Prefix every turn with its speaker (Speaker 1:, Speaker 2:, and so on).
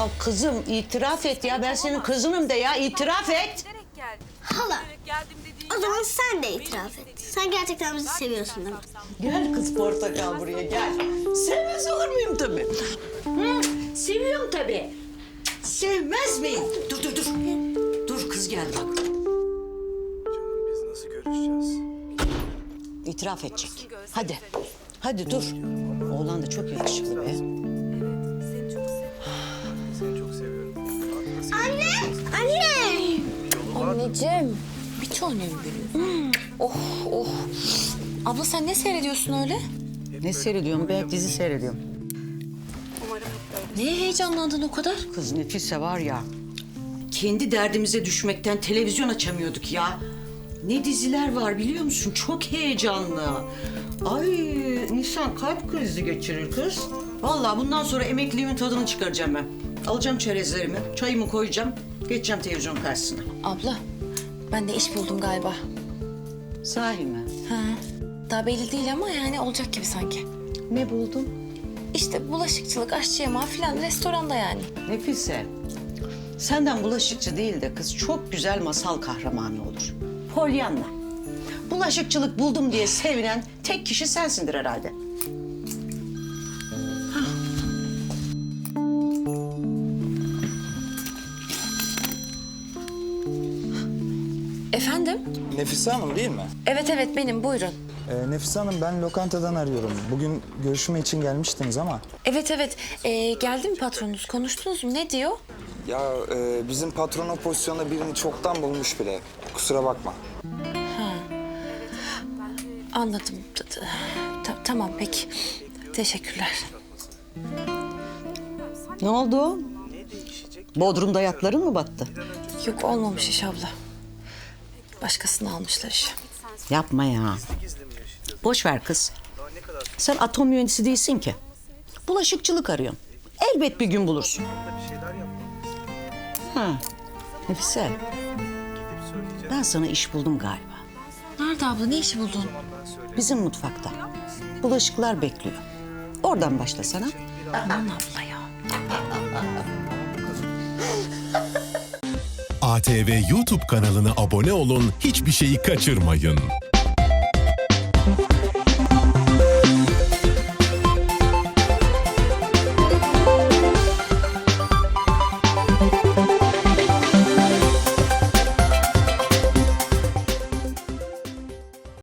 Speaker 1: Ya kızım itiraf et ya. Ben senin kızınım de ya. İtiraf et.
Speaker 2: Hala, o zaman sen de itiraf et. Sen gerçekten bizi seviyorsun değil mi?
Speaker 1: Gel kız portakal buraya gel. Sevmez olur muyum tabii? Seviyorum tabii. Sevmez miyim? Dur. Dur kız gel bak.
Speaker 3: Canım biz nasıl görüşeceğiz?
Speaker 1: İtiraf edecek. Hadi. Hadi dur. Oğlan da çok yakışıklı be.
Speaker 3: Seni çok seviyorum.
Speaker 2: Anne!
Speaker 4: Anneciğim, bir tanem benim. Oh. Abla sen ne seyrediyorsun öyle?
Speaker 1: Ne seyrediyorum be? Dizi seyrediyorum.
Speaker 4: Neye heyecanlandın o kadar?
Speaker 1: Kız Nefise var ya. Kendi derdimize düşmekten televizyon açamıyorduk ya. Ne diziler var biliyor musun? Çok heyecanlı. Ay insan kalp krizi geçirir kız. Vallahi bundan sonra emekliliğimin tadını çıkaracağım ben. Alacağım çerezlerimi, çayımı koyacağım. Geçeceğim televizyon karşısına.
Speaker 4: Abla, ben de iş buldum galiba.
Speaker 1: Sahi mi?
Speaker 4: Ha. Daha belli değil ama yani olacak gibi sanki.
Speaker 1: Ne buldun?
Speaker 4: İşte bulaşıkçılık, aşçı yamağı falan restoranda yani.
Speaker 1: Nefise, senden bulaşıkçı değil de kız çok güzel masal kahramanı olur. Pollyanna. Bulaşıkçılık buldum diye sevinen tek kişi sensindir herhalde.
Speaker 4: Efendim?
Speaker 5: Nefise Hanım değil mi?
Speaker 4: Evet benim buyurun.
Speaker 5: Nefise Hanım ben lokantadan arıyorum. Bugün görüşme için gelmiştiniz ama.
Speaker 4: Evet geldi mi patronunuz? Konuştunuz mu? Ne diyor?
Speaker 5: Ya bizim patron o pozisyonda birini çoktan bulmuş bile. Kusura bakma.
Speaker 4: Anladım. Tamam peki. Teşekkürler.
Speaker 1: Ne oldu? Bodrum'da yatların mı battı?
Speaker 4: Yok olmamış iş abla. Başkasını almışlar işe.
Speaker 1: Yapma ya. Boş ver kız. Sen atom mühendisi değilsin ki. Bulaşıkçılık arıyorsun. Elbet bir gün bulursun. Ha. Nefise. Ben sana iş buldum galiba.
Speaker 4: Nerede abla? Ne işi buldun?
Speaker 1: Bizim mutfakta. Bulaşıklar bekliyor. Oradan başlasana.
Speaker 4: Aman abla ya.
Speaker 6: ATV YouTube kanalına abone olun, hiçbir şeyi kaçırmayın.